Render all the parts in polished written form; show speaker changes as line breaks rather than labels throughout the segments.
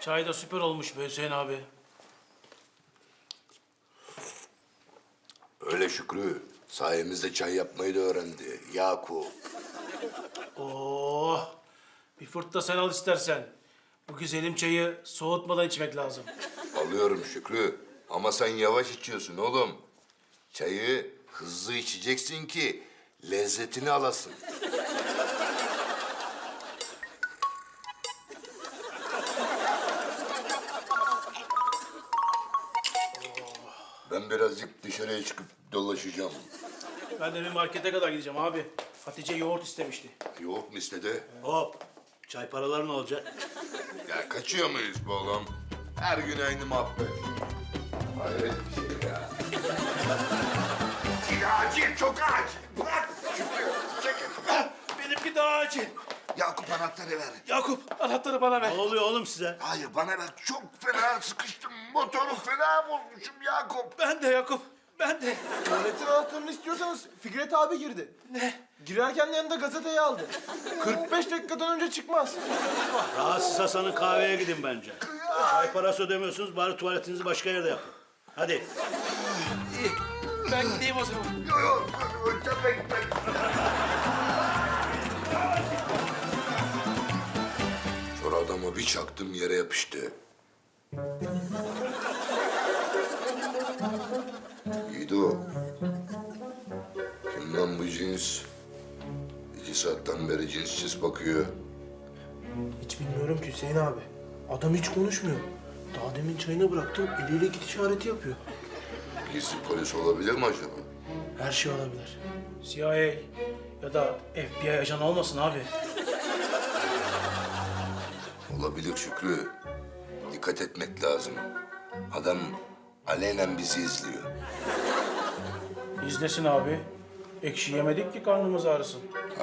Çay da süper olmuş be Hüseyin abi.
Öyle Şükrü. Sayemizde çay yapmayı da öğrendi. Yakup.
Oh! Bir fırt da sen al istersen. Bu güzelim çayı soğutmadan içmek lazım.
Alıyorum Şükrü. Ama sen yavaş içiyorsun oğlum. Çayı hızlı içeceksin ki lezzetini alasın. Ben birazcık dışarıya çıkıp dolaşacağım.
Ben de bir markete kadar gideceğim abi. Hatice yoğurt istemişti.
Yoğurt mu istedi?
Hop. Çay paraları ne olacak?
Ya kaçıyor muyuz be oğlum? Her gün aynı muhabbet. Hayret bir şey ya. Acil, çok acil. Bırak. Şükrü, çekil.
Benimki daha acil.
Yakup anahtarı ver.
Yakup anahtarı bana ver.
Ne oluyor oğlum size?
Hayır bana ver. Çok fena sıkıştım. Motoru fena bozmuşum Yakup.
Ben de Yakup. Ben de.
Tuvaletin anahtarını istiyorsanız Fikret abi girdi.
Ne?
Girerken yanında gazeteyi aldı. 45 dakikadan önce çıkmaz.
Rahatsız Hasan'ın kahveye gidin bence. Çay parası ödemiyorsunuz, bari tuvaletinizi başka yerde yapın. Hadi.
İyi. Ben gideyim o zaman.
Yok, ötebek ben. Sonra adamı bir çaktım yere yapıştı. Yiğido. Kim lan bu cins? 2 saatten beri cinssiz bakıyor.
Hiç bilmiyorum ki Hüseyin abi. Adam hiç konuşmuyor. Daha demin çayını bıraktım, eliyle git işareti yapıyor.
Gizli polis olabilir mi acaba?
Her şey olabilir.
CIA ya da FBI ajanı olmasın abi.
Olabilir Şükrü. Dikkat etmek lazım. Adam alenen bizi izliyor.
İzlesin abi. Ekşi yemedik ki karnımız ağrısın.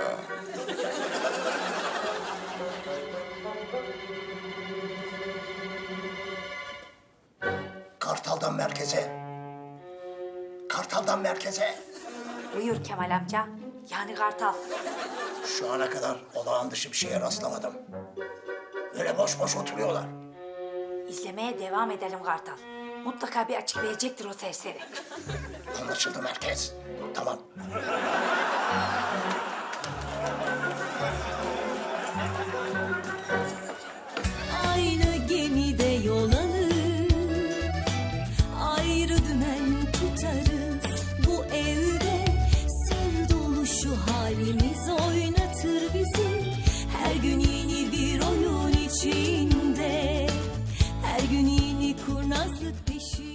Kartal'dan merkeze. Kartal'dan merkeze.
Buyur Kemal amca. Yani Kartal.
Şu ana kadar olağan dışı bir şeye rastlamadım. Öyle boş boş oturuyorlar.
İzlemeye devam edelim Kartal. Mutlaka bir açık verecektir o serseri.
Anlaşıldı merkez. Tamam.
Aynı gemide yol alır, ayrı dümen tutarız. Bu evde sır dolu şu halimiz oynatır bizi. Her gün yeni bir oyun içinde, her gün yeni kurnazlık peşinde.